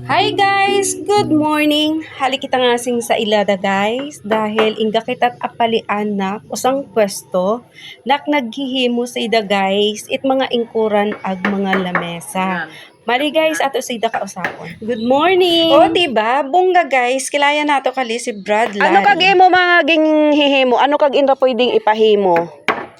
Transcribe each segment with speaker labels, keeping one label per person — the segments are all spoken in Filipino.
Speaker 1: Hi guys! Good morning! Hali kita nga sing sa ilada guys dahil inga kita't apalian na usang pwesto nak naghihimo sa ida guys it mga ingkuran ag mga lamesa. Mali guys, ato sa ida kausapon. Good morning! O diba, bongga guys, kilaya nato kali si Brad Larry. Ano kag imo mga ging hihimo? Ano kag inra pwedeng ipahimo?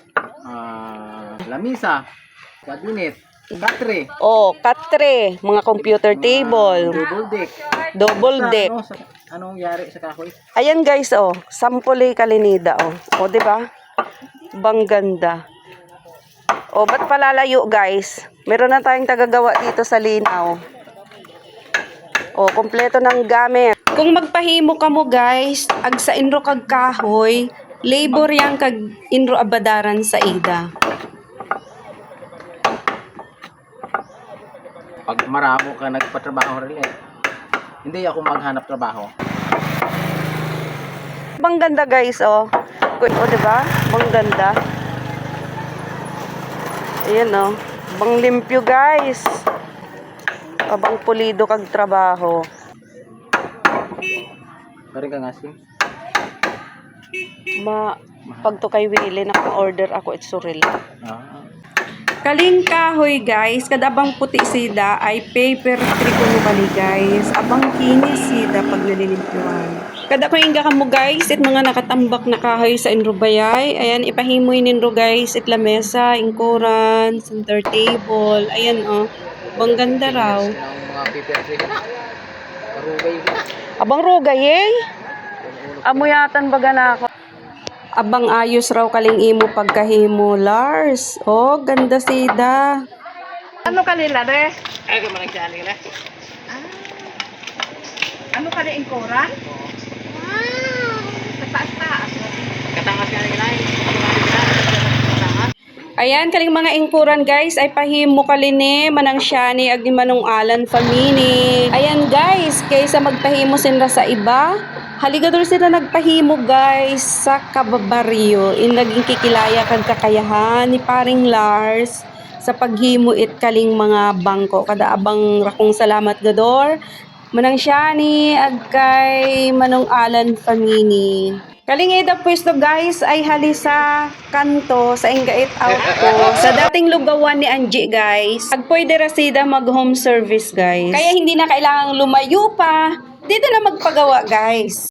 Speaker 2: Lamisa, cabinet, battery,
Speaker 1: Katre, mga computer table, double deck.
Speaker 2: Anong yari sa kahoy?
Speaker 1: Ayan guys, sampole kalinida, di ba? Bang ganda. Ba't palalayo guys? Meron na tayong tagagawa dito sa linaw. Kompleto ng gamit. Kung magpahimo ka mo guys, ag sa inro kag kahoy, labor yang kag inro abadaran sa ida.
Speaker 2: Pag maramo ka nagpatrabaho rin hindi ako maghanap trabaho.
Speaker 1: Bang ganda guys, diba? Bang ganda. Ayan, bang limpyo guys. Bang pulido kag trabaho.
Speaker 2: Kari ka nga sim?
Speaker 1: Pag to kay Willie, naka-order ako itsuril. Kaling kahoy guys, kadabang puti sida ay paper trikono kali guys. Abang kinis sida pag nalilimpyuhan. Kada ko inga kamo guys, it mga nakatambak na kahoy sa inrubayay. Ayan, ipahimoy ninro guys, it lamesa, ingkuran, center table. Ayan bang ganda raw.
Speaker 2: Mga paper trikono. Karugay ko.
Speaker 1: Abang rugay amuyatan baga na ako. Abang ayos raw kaling imo pagkahimo, Lars. Ganda sida. Ano kanila, re?
Speaker 2: Ay, kung managsiyan nila.
Speaker 1: Ano ka rin koran? Wow! Kataas-taas.
Speaker 2: Katangas ka nila.
Speaker 1: Ayan, kaling mga ingkuran guys, ay pahimo kaline, manang siyani, ag manong alan famini. Ayan guys, kaysa magpahimo sinra sa iba, haligador sila nagpahimo guys sa kababaryo. Naging kikilaya kag kakayahan ni paring Lars sa paghimo it kaling mga bangko. Kada abang rakong salamat gador. Manang siyani, ag kay manong alan famini. Kaling ida pwesto guys ay hali sa kanto sa ingait out ko sa dating lugawan ni Angie guys. Ag pwede rasida mag home service guys. Kaya hindi na kailangang lumayo pa. Dito na magpagawa guys.